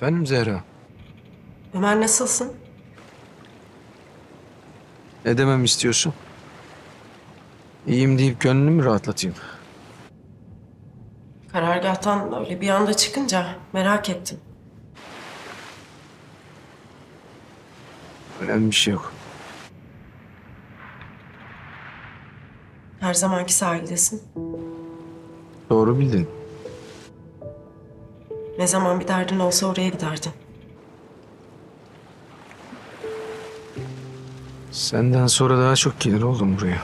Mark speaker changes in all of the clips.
Speaker 1: Efendim Zehra?
Speaker 2: Ömer nasılsın?
Speaker 1: Ne demem istiyorsun? İyiyim deyip gönlünü mü rahatlatayım?
Speaker 2: Karargâhtan öyle bir anda çıkınca merak ettim.
Speaker 1: Önemli bir şey yok.
Speaker 2: Her zamanki sahildesin.
Speaker 1: Doğru bildin.
Speaker 2: Ne zaman bir derdin olsa oraya giderdin.
Speaker 1: Senden sonra daha çok gelir oldum buraya.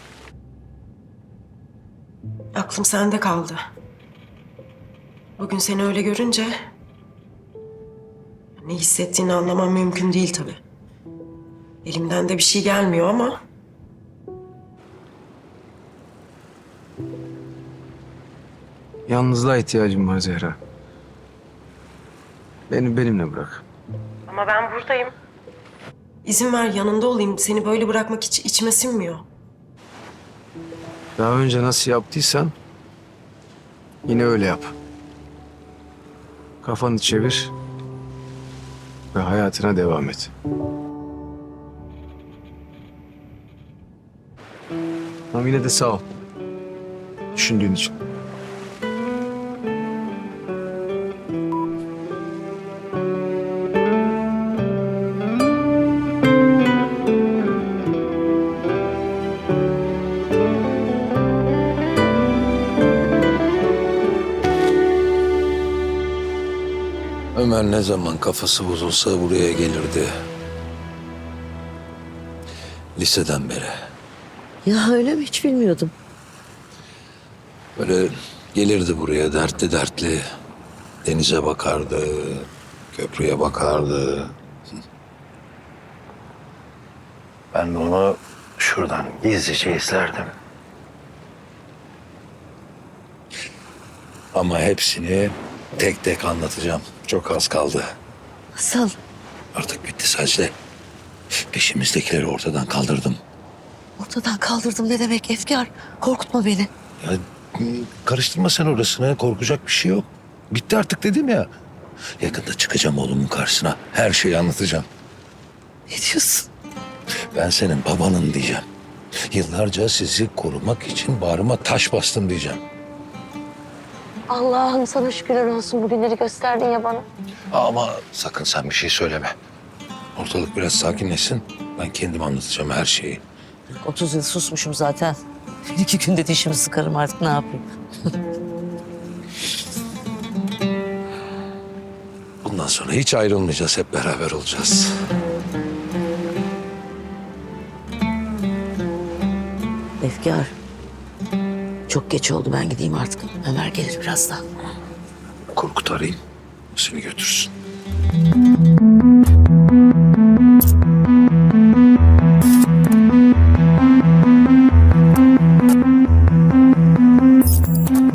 Speaker 2: Aklım sende kaldı. Bugün seni öyle görünce... ne hissettiğini anlamam mümkün değil tabii. Elimden de bir şey gelmiyor ama...
Speaker 1: Yalnızlığa ihtiyacım var Zehra. Beni benimle bırak.
Speaker 2: Ama ben buradayım. İzin ver yanında olayım. Seni böyle bırakmak hiç içime sinmiyor.
Speaker 1: Daha önce nasıl yaptıysan yine öyle yap. Kafanı çevir ve hayatına devam et. Ama yine de sağ ol. Düşündüğün için.
Speaker 3: Ömer ne zaman kafası bozulsa buraya gelirdi. Liseden beri.
Speaker 4: Ya öyle mi? Hiç bilmiyordum.
Speaker 3: Böyle gelirdi buraya dertli dertli. Denize bakardı, köprüye bakardı. Ben de onu şuradan gizlice izlerdim. Ama hepsini tek tek anlatacağım. Çok az kaldı.
Speaker 4: Nasıl?
Speaker 3: Artık bitti sadece. Peşimizdekileri ortadan kaldırdım.
Speaker 4: Ortadan kaldırdım ne demek Efkar? Korkutma beni.
Speaker 3: Ya karıştırma sen orasını. Korkacak bir şey yok. Bitti artık dedim ya. Yakında çıkacağım oğlumun karşısına. Her şeyi anlatacağım.
Speaker 4: Ne diyorsun?
Speaker 3: Ben senin babanın diyeceğim. Yıllarca sizi korumak için bağrıma taş bastım diyeceğim.
Speaker 4: Allah'ım sana şükürler olsun bugünleri gösterdin ya bana.
Speaker 3: Ama sakın sen bir şey söyleme. Ortalık biraz sakinleşsin. Ben kendim anlatacağım her şeyi.
Speaker 4: 30 yıl susmuşum zaten. Bir iki günde dişimi sıkarım artık ne yapayım?
Speaker 3: Bundan sonra hiç ayrılmayacağız. Hep beraber olacağız.
Speaker 4: Efkar. Çok geç oldu ben gideyim artık. Ömer gelir birazdan.
Speaker 3: Korkut arayayım. Seni götürsün.